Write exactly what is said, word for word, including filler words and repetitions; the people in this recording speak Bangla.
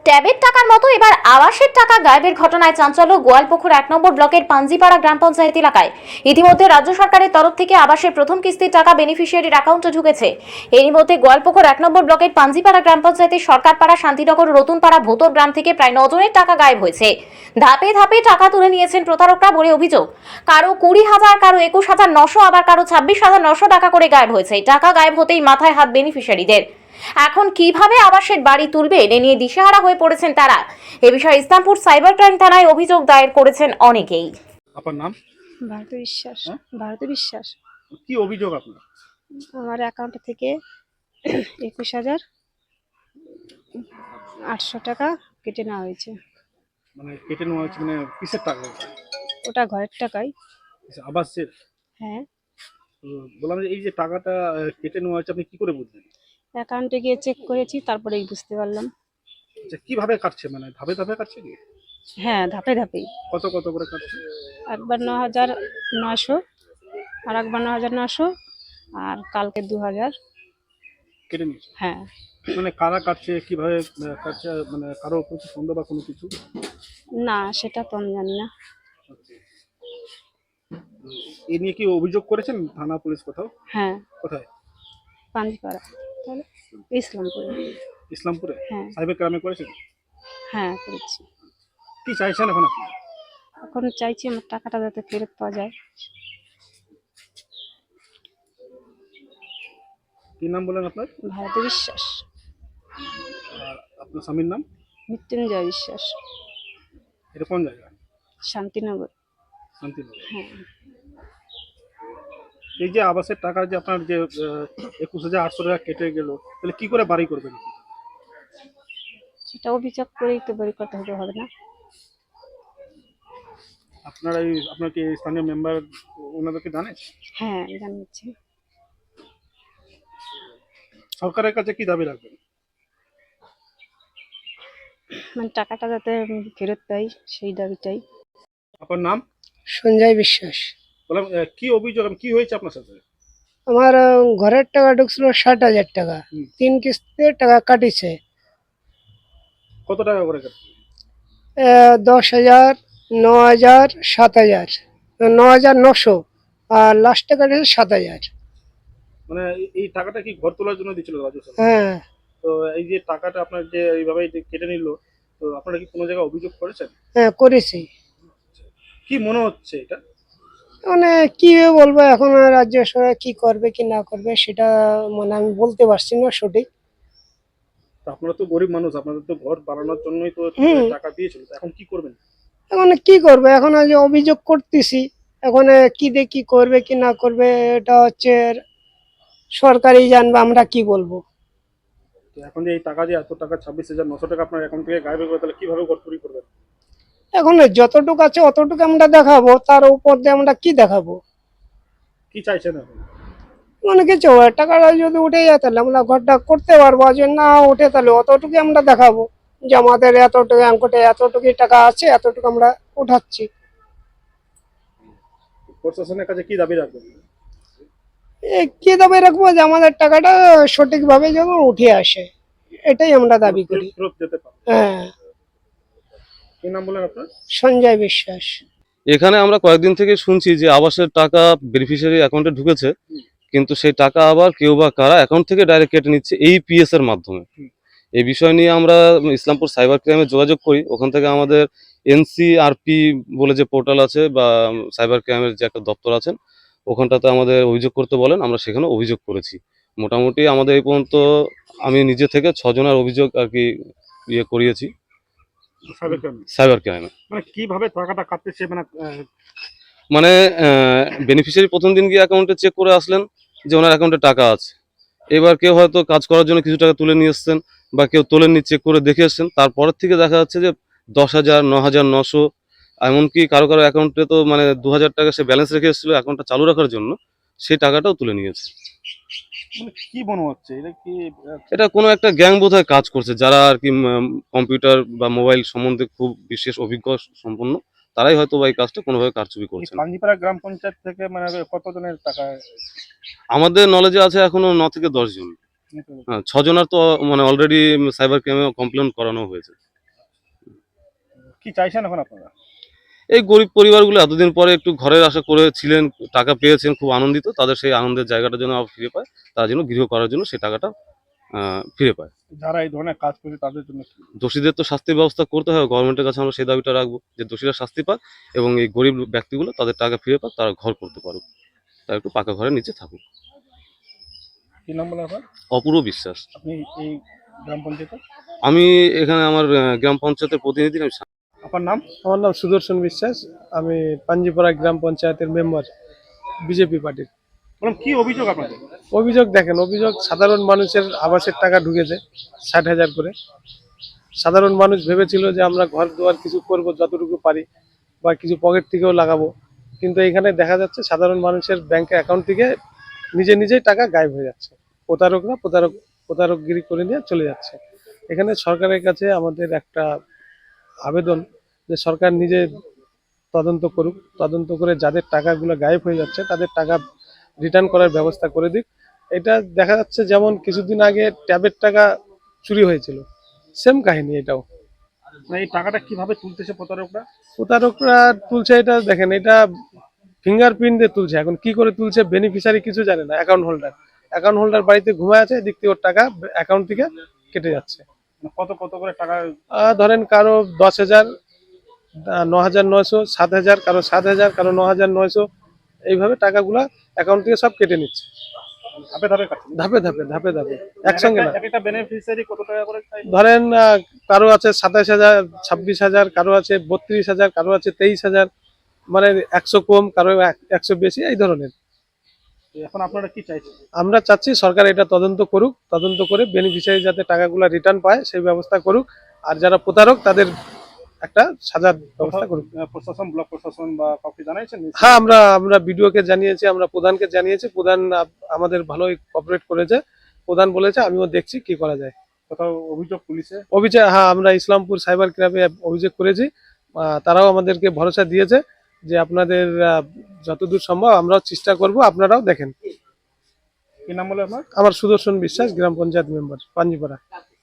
ট্যাবের টাকার মতো এবার আবাসের টাকা গায়েবের ঘটনায় চাঞ্চল্য গোয়ালপুকুর এক নম্বর ব্লকের পাঞ্জিপাড়া গ্রাম পঞ্চায়েত এলাকায়। ইতিমধ্যে রাজ্য সরকারের তরফ থেকে আবাসের প্রথম কিস্তির টাকা বেনিফিশিয়ারির অ্যাকাউন্টে ঢুকেছে। এরই মধ্যে গোয়ালপুকুর এক নম্বর ব্লকের পাঞ্জিপাড়া গ্রাম পঞ্চায়েতের সরকারপাড়া, শান্তিনগর, রতুনপাড়া, ভোতর গ্রাম থেকে প্রায় নজনের টাকা গায়েব হয়েছে। ধাপে ধাপে টাকা তুলে নিয়েছেন প্রতারকরা বলে অভিযোগ। কারো কুড়ি হাজার, কারো একুশ হাজার নশো, আবার কারো ছাব্বিশ হাজার নশো টাকা করে গায়েব হয়েছে। টাকা গায়েব হতেই মাথায় হাত বেনিফিশিয়ারিদের। এখন কিভাবে আবাসের বাড়ি তুলবে এ নিয়ে দিশেহারা হয়ে পড়েছেন তারা। এ বিষয়ে ইসলামপুর সাইবার ক্রাইম থানায় অভিযোগ দায়ের করেছেন অনেকেই। আপনার নাম? ভারতী বিশ্বাস। হ্যাঁ? ভারতী বিশ্বাস। কি অভিযোগ আপনার? আমার অ্যাকাউন্ট থেকে একুশ হাজার আটশো টাকা কেটে নেওয়া হয়েছে। মানে কেটে নেওয়া হয়েছে মানে কিসের টাকা? ওটা ঘরের টাকাই। আবাসের? হ্যাঁ। তো বললাম যে এই যে টাকাটা আহ, কেটে নেওয়া হয়েছে আপনি কি করে বুঝলেন? অ্যাকাউন্টে গিয়ে চেক করেছি, তারপরেই বুঝতে পারলাম। আচ্ছা, কিভাবে কাটছে মানে ধাপে ধাপে কাটছে কি? হ্যাঁ, ধাপে ধাপেই। কত কত করে কাটছে? একবার ন হাজার নশো, আর একবার ন হাজার নশো, আর কালকে দু হাজার। কেটে নিয়েছে? হ্যাঁ। মানে কারা কাটছে, কিভাবে আহ, কাটছে, মানে কারো কিছু সন্দেহ বা কোনো কিছু? না, সেটা তো আমি জানি না। এ নিয়ে কি অভিযোগ করেছেন থানা, পুলিশ কোথাও? হ্যাঁ, কোথায়? পাঞ্জিপাড়া, তাহলে ইসলামপুরে। ইসলামপুরে? হ্যাঁ। সাইবার ক্রাইমে করেছেন? হ্যাঁ, করেছি। কি চাইছেন এখন আপনি? এখন চাইছি আমার টাকাটা যাতে ফেরত পাওয়া যায়। কি নাম বলেন আপনার? ভারতী বিশ্বাস। আর আপনার স্বামীর নাম? মৃত্যুঞ্জয় বিশ্বাস। এটা কোন জায়গা? শান্তিনগর। শান্তিনগর। হ্যাঁ। এই যে আবাসের টাকা যে আপনার যে একুশ হাজার আটশো টাকা কেটে গেল, তাহলে কি করে বাড়ি করবেন? সেটা অভিযোগ করেই তো বের করতে হবে, হবে না? আপনারা এই আপনার কি স্থানীয় মেম্বার ওনাদেরকে জানেন? হ্যাঁ, জানিয়েছি। সরকারের কাছে কি দাবি রাখবেন? মানে টাকাটা যাতে ফেরত পাই, সেই দাবিটাই। আপনার নাম? সঞ্জয় বিশ্বাস। বললাম আহ, কি অভিযোগ, কি হয়েছে আপনার সাথে? আমার আহ, ঘরের টাকা ঢুকছিল ষাট হাজার টাকা, হুম। তিন কিস্তিতে টাকা কাটিছে। কত টাকা করে কাটছে? আহ, দশ হাজার, ন হাজার, সাত হাজার, ন হাজার নশো, আর লাস্টে কাটিছে সাত হাজার। মানে এই- এই টাকাটা কি ঘর তোলার জন্য দিয়েছিল রাজ্য সরকার? হ্যাঁ, তো এই যে টাকাটা আপনার যে এইভাবে যে কেটে নিল, তো আপনারা কি কোনো জায়গায় অভিযোগ করেছেন? হ্যাঁ করেছি। কি মনে হচ্ছে এটা? মানে কি বলবো, এখন রাজ্য সরকার কি করবে কি না করবে সেটা মানে আমি বলতে পারছি না সঠিক। তো আপনারা তো গরিব মানুষ, আপনাদের তো ঘর বানানোর জন্যই তো হুম। টাকা দিয়েছিল, তো এখন কি করবেন? এখন কি করবে, এখন যে অভিযোগ করতেছি, এখন কি দিয়ে কি করবে কি না করবে এটা হচ্ছে সরকারই জানবে, আমরা কি বলবো। তো এখন যে এই টাকা যে এত টাকা ছাব্বিশ হাজার নশো টাকা আপনার অ্যাকাউন্ট থেকে গায়েব হয়ে গেলো, তাহলে কিভাবে ঘর তৈরি করবেন? এখন যতটুকু আছে অতটুকু আমরা দেখাবো, তার উপর দিয়ে আমরা কি দেখাবো? কি চাইছেন এখন? মানে কিছু হয়, টাকাটা যদি উঠে যায় তাহলে আমরা ঘরটা করতে পারবো, আর যদি না উঠে তাহলে অতটুকু আমরা দেখাবো যে আমাদের এতটুকু অঙ্কটে এতটুকু টাকা আছে, এতটুকু আমরা উঠাচ্ছি। প্রশাসনের কাছে কি দাবি রাখবেন? এ কি দাবি রাখবো, যে আমাদের টাকাটা সঠিকভাবে যেন উঠে আসে, এটাই আমরা দাবি করি। ফেরত যেতে পারে। হ্যাঁ। কি নাম বলেন আপনার? সঞ্জয় বিশ্বাস। এখানে আমরা কয়েকদিন থেকে শুনছি যে আবাসের টাকা বেনিফিশিয়ারি অ্যাকাউন্টে ঢুকেছে, কিন্তু সেই টাকা আবার কেউ বা কারা অ্যাকাউন্ট থেকে ডাইরেক্ট কেটে নিচ্ছে এই পিএস এর মাধ্যমে। এই বিষয় নিয়ে আমরা ইসলামপুর সাইবার ক্রাইমে যোগাযোগ করি। ওখান থেকে আমাদের এনসিআরপি বলে যে পোর্টাল আছে বা সাইবার ক্রাইমের যে একটা দপ্তর আছেন, ওখানটাতে আমাদের অভিযোগ করতে বলেন, আমরা সেখানে অভিযোগ করেছি। মোটামুটি আমাদের এই পর্যন্ত আমি নিজে থেকে ছজনের অভিযোগ আর কি ইয়ে করিয়েছি সাইবার ক্রাইম। সাইবার ক্রাইমে। মানে কিভাবে টাকাটা কাটতেছে, মানে আহ, মানে বেনিফিশিয়ারি প্রথম দিন গিয়ে অ্যাকাউন্টে চেক করে আসলেন যে ওনার অ্যাকাউন্টে টাকা আছে। এবার কেউ হয়তো কাজ করার জন্য কিছু টাকা তুলে নিয়ে এসছেন, বা কেউ তোলেননি, চেক করে দেখে এসছেন। তারপরের থেকে দেখা যাচ্ছে যে দশ হাজার, ন হাজার নশো, এমনকি কারো কারো অ্যাকাউন্টে তো মানে দু হাজার টাকা সে ব্যালেন্স রেখে এসেছিল অ্যাকাউন্টটা চালু রাখার জন্য, সেই টাকাটাও তুলে নিয়েছে। মানে কি মনে হচ্ছে এটা কি আহ, এটা কোনো একটা গ্যাং বোধহয় কাজ করছে, যারা আর কি কম্পিউটার বা মোবাইল সম্বন্ধে খুব বিশেষ অভিজ্ঞ সম্পন্ন, তারাই হয়তো বা এই কাজটা কোনোভাবে কারচুপি এই করছে। পাঞ্জিপাড়া গ্রাম পঞ্চায়েত থেকে মানে কতজনের টাকা? আমাদের নলেজে আছে এখনো ন থেকে দশ জন। হ্যাঁ, ছজনের তো মানে অলরেডি সাইবার ক্রাইমে কমপ্লেন করানো হয়েছে। কি চাইছেন এখন আপনারা? এই গরিব পরিবারগুলো এতদিন পরে একটু ঘরের আশা করেছিলেন, টাকা পেয়েছেন, খুব আনন্দিত। তাদের সেই আনন্দের জায়গাটা যেন আবার ফিরে পায়, তারা যেন গৃহ করার জন্য সেই টাকাটা আহ, ফিরে পায়। যারা এই ধরনের কাজ করছে তাদের জন্য কি? দোষীদের তো শাস্তির ব্যবস্থা করতে হবে, গভর্নমেন্টের কাছে আমরা সেই দাবিটা রাখবো যে দোষীরা শাস্তি পাক এবং এই গরিব ব্যক্তিগুলো তাদের টাকা ফিরে পাক, তারা ঘর করতে পারুক, তারা একটু পাকা ঘরের নিচে থাকুক। কি নাম বলে আপনার? অপূর্ব বিশ্বাস। আপনি এই গ্রাম পঞ্চায়েতে? আমি এখানে আমার আহ, গ্রাম পঞ্চায়েতের প্রতিনিধি। আমি আপনার নাম? আমার নাম সুদর্শন বিশ্বাস, আমি পাঞ্জিপাড়া গ্রাম পঞ্চায়েতের মেম্বার বিজেপি পার্টির। বললাম কি অভিযোগ আপনাদের? অভিযোগ দেখেন, অভিযোগ সাধারণ মানুষের আবাসের টাকা ঢুকেছে ষাট হাজার করে। সাধারণ মানুষ ভেবেছিল যে আমরা ঘর দুয়ার কিছু করব যতটুকু পারি, বা কিছু পকেট থেকেও লাগাবো, কিন্তু এখানে দেখা যাচ্ছে সাধারণ মানুষের ব্যাংক অ্যাকাউন্ট থেকে নিজে নিজেই টাকা গায়েব হয়ে যাচ্ছে। প্রতারকরা প্রতারক প্রতারকগিরি করে নিয়ে চলে যাচ্ছে। এখানে সরকারের কাছে আমাদের একটা আবেদন যে সরকার নিজে তদন্ত করুক, তদন্ত করে যাদের টাকাগুলো গায়েব হয়ে যাচ্ছে তাদের টাকা রিটার্ন করার ব্যবস্থা করে দিক। এটা দেখা যাচ্ছে যেমন কিছুদিন আগে ট্যাবের টাকা চুরি হয়েছিল, সেম কাহিনী এটাও। মানে এই টাকাটা কিভাবে তুলতেছে প্রতারকরা? প্রতারকরা তুলছে এটা দেখেন, এটা ফিঙ্গারপ্রিন্ট দিয়ে তুলছে। এখন কি করে তুলছে বেনিফিশিয়ারি কিছু জানে না, অ্যাকাউন্ট হোল্ডার অ্যাকাউন্ট হোল্ডার বাড়িতে ঘুমায় আছে, এদিক থেকে ওর টাকা অ্যাকাউন্ট থেকে কেটে যাচ্ছে। মানে কত কত করে টাকা? আহ, ধরেন কারো দশ হাজার, ন হাজার নয়শো, সাত হাজার, কারো সাত হাজার, কারো ন হাজার নয়শো, এইভাবে টাকাগুলা অ্যাকাউন্ট থেকে সব কেটে নিচ্ছে ধাপে ধাপে কাটছে? ধাপে ধাপে ধাপে ধাপে, একসঙ্গে না। এক একটা বেনিফিশিয়ারি কত টাকা করে চাই? ধরেন আহ, কারো আছে সাতাশ হাজার, ছাব্বিশ হাজার, কারো আছে বত্রিশ হাজার, কারো আছে তেইশ হাজার, মানে একশো কম, কারো এক- একশো বেশি, এই ধরনের। এখন আপনারা কি চাইছেন? আমরা চাচ্ছি সরকার এটা তদন্ত করুক, তদন্ত করে বেনিফিশিয়ারি যাতে টাকাগুলো রিটার্ন পায় সেই ব্যবস্থা করুক, আর যারা প্রতারক তাদের একটা সাজার ব্যবস্থা করুক। আহ, প্রশাসন, ব্লক প্রশাসন বা কাউকে জানাইছেন? হ্যাঁ, আমরা আমরা বিডিওকে জানিয়েছি, আমরা প্রধানকে জানিয়েছি, প্রধান আ- আমাদের ভালোই কোঅপারেট করেছে। প্রধান বলেছে আমিও দেখছি কি করা যায়। কোথাও অভিযোগ পুলিশে? অভিযোগ, হ্যাঁ, আমরা ইসলামপুর সাইবার ক্রাইমে অভিযোগ করেছি। আহ, তারাও আমাদেরকে ভরসা দিয়েছে যে আপনাদের আহ, যতদূর সম্ভব আমরাও চেষ্টা করব, আপনারাও দেখেন। কি নাম বলে আপনার? আমার সুদর্শন বিশ্বাস, গ্রাম পঞ্চায়েত মেম্বার পাঞ্জিপাড়া।